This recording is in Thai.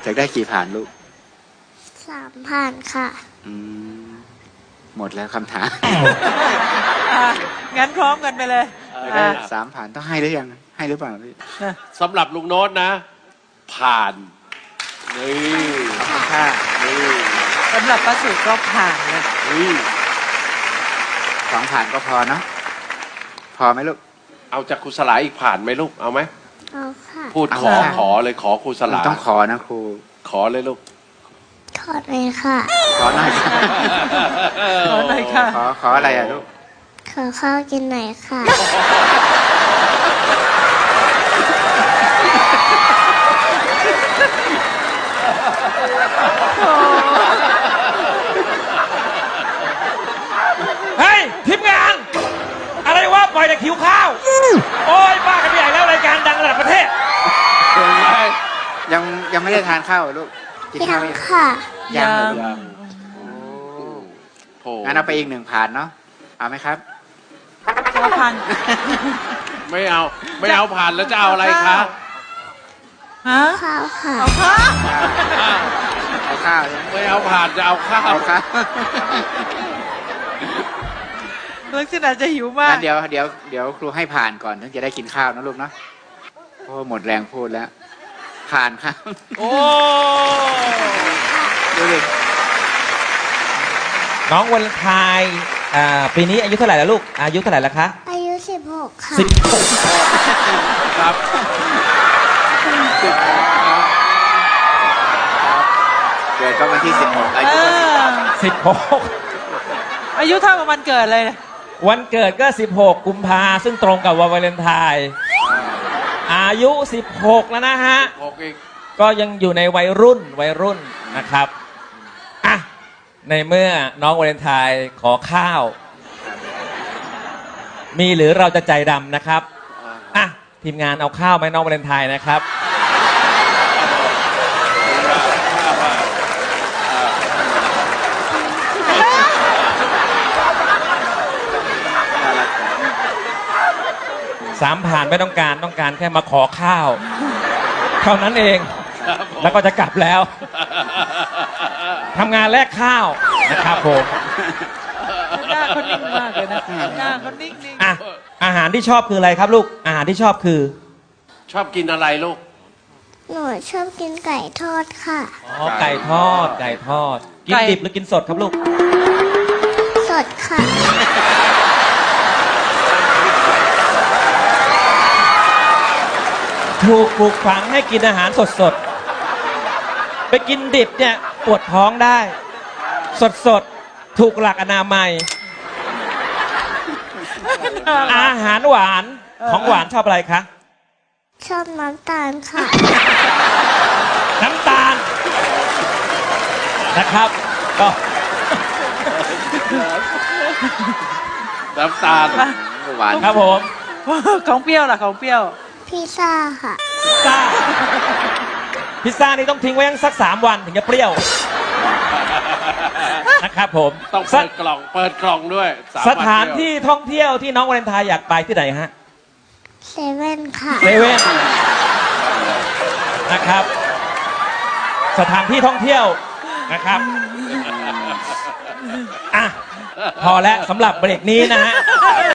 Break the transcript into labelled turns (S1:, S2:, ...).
S1: ากได้กี่ผ่านลูก
S2: 3 ผ่านค่ะ
S1: หมดแล้วคำถาม
S3: งั้นพร้อมกันไปเลย
S1: อยากได้3 ผ่านต้องให้หรือยังให้หรือเปล่าพี่
S4: สำหรับลุงโน้ตนะ ผ่านนี่
S1: ขอบคุณค่ะ
S4: นี่
S3: สำหรับป้าสุก็ผ่านเลย
S4: นี่
S1: 2 ผ่านก็พอเนาะพอไหมลูก
S4: เอาจากครูสลาอีกผ่านไหมลูกเอาไหม
S2: เอาค่ะ
S4: พูด
S1: เอา
S4: ขอ
S1: ค่ะ
S4: ขอเลยขอครูสลา
S1: ต้องขอนะครู
S4: ขอเลยลูก
S2: ถอดเลยค่ะ
S1: ขอหน่อยค่ะ
S3: ขอหน่อยค่ะ
S1: ขออะไรอ่ะลูก
S2: ขอข้าวกินหน่อยค่ะ
S5: เฮ้ยทีมงาน อะไรวะปล่อยแต่คิวข้าว โอ้ยบ้ากันไปใหญ่แล้วรายการดังระดับประเทศ
S1: ยังไม่ได้ทานข้าวเหรอลูกกิน
S2: ยั
S1: ข้าว
S2: ง
S1: ยัง
S2: ค่ะ
S1: ยังเหรอลูก
S4: ยังโถ
S1: งั้นเอาไปอีก1 ผ่านเนาะเอาไหมครับ
S3: ก็ผ่าน
S4: ไม่เอาผ่านแล้วจะเอาอะไรคะ
S3: ฮะ
S2: ข้าวค่ะ
S3: เอาค่ะ
S1: เอาข้าวใช่ไหม
S4: ไม่เอาผ่านจะเอาข้าว
S1: เอาข้าว
S3: ลักษณะจะหิวมาก
S1: งั้นเดี๋ยวครูให้ผ่านก่อนถึงจะได้กินข้าวนะลูกเนาะโอ้หมดแรงพูดแล้ว ผ่านครับ
S4: โอ้
S1: ดูดิ
S5: น้องวันไทยปีนี้อายุเท่าไหร่แล้วลูก อายุเท่าไหร่แล้วคะ
S2: อายุ 16 ค่ะ
S5: 16
S4: ครับ
S1: เกิดก็วันที่16อา
S3: เอ
S1: ยุก็
S3: ออายุเท่ากับวันเกิดเลยนะ
S5: วันเกิดก็ 16 กุมภาซึ่งตรงกับวันวาเลนไทน์อายุ 16 แล้วนะฮะ
S4: 6อีก
S5: ก็ยังอยู่ในวัยรุ่นนะครับอ่ะในเมื่อน้องวาเลนไทน์ขอข้าว มีหรือเราจะใจดำนะครับอ่ะทีมงานเอาข้าวไหมน้องวาเลนไทน์นะครับ
S1: น่ารัก
S5: 3 ผ่านไม่ต้องการแค่มาขอข้าว เท่านั้นเอง
S4: ครับผม
S5: แล้วก็จะกลับแล้วทำงานแลกข้าวนะครับผม
S3: หน้าเขานิ่งมากเลยนะหน้าเขานิ่ง
S5: อ่ะอาหารที่ชอบคืออะไรครับลูกอาหารที่ชอบคือ
S4: ชอบกินอะไรลูก
S2: หนูชอบกินไก่ทอดค่ะ
S5: อ๋อไก่ทอดกินดิบหรือกินสดครับลูก
S2: สดค่ะ
S5: ถูกปลูกฝังให้กินอาหารสดๆ ไปกินดิบเนี่ยปวดท้องได้ สดๆ ถูกหลักอนามัย อาหารหวานของหวานชอบอะไรคะ
S2: ชอบน้ำตาลค่ะ
S5: น้ำตาลนะครับก็
S4: น้ำตาล
S1: หวาน
S5: ครับผม
S3: ๆของเปรี้ยวล่ะของเปรี้ยว
S2: พิซซ่าค่ะ
S5: พิซซ่านี่ต้องทิ้งไว้สัก3 วันถึงจะเปรี้ยวนะครับผม
S4: ต้องเปิดกล่องด้วย3
S5: สถานที่ท่องเที่ยวที่น้องวาเลนไทน์อยากไปที่ไหนฮะ
S2: เซเว่นค่ะ
S5: เซเว่นนะครับ สถานที่ท่องเที่ยวนะครับอ่ะพอแล้วสำหรับเบรกนี้นะฮะ